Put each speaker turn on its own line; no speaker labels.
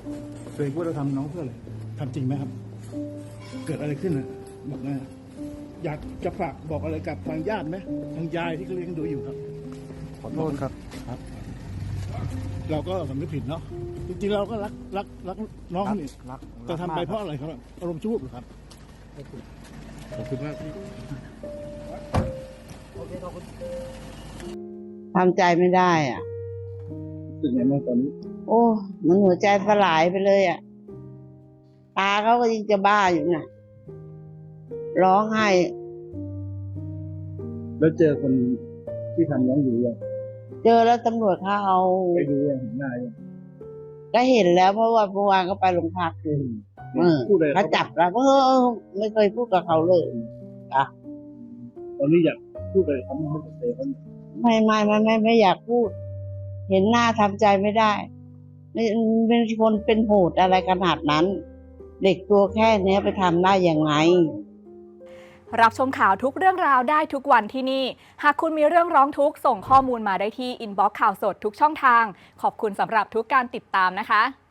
ตัวเองว่าเราทำน้องเพื่ออะไรทำจริงไหมครับ เกิดอะไรขึ้นนะบอกนะอยากจะฝากบอกอะไรกับทางญาติไหมทางยายที่เขาเลี้ยงดูอยู่ครับ
ขอโทษครับ
ครับ เราก็สำนึกผิดเนาะจริงๆเราก็รักน้องนี่
รัก
แต่ทำไปเพราะอะไรครับอารมณ์ชั่ววูบเหรอครับขอบคุณมากพี่
ทำใจไม่ได้อ่ะ
รู้สึกไงบ้างตอนนี้
โอ้มันหัวใจสลายไปเลยอ่ะ ตาเขาก็ยังจะบ้าอยู่น่ะ ร้องไห้
แล้วเจอคนที่ทำน้องอยู่ยัง
เจอแล้วตำรวจเขาเอา
ไปดูยังเห็นหน้ายัง
ก็เห็นแล้วเพราะว่าเมื่อวานก็ไปโรงพักอยู่
พูดเลย
เขาจับแล้วไม่เคยพูดกับเขาเลย
ตอนนี้อยากพูดเลยเขาไม่ให้เตะเขา
ไม่อยากพูด เห็นหน้าทำใจไม่ได้ไม่เป็นคนเป็นโหดอะไรขนาดนั้น เด็กตัวแค่เนี้ยไปทำได้ยังไง
รับชมข่าวทุกเรื่องราวได้ทุกวันที่นี่ หากคุณมีเรื่องร้องทุกข์ส่งข้อมูลมาได้ที่อินบ็อกซ์ข่าวสดทุกช่องทาง ขอบคุณสำหรับทุกการติดตามนะคะ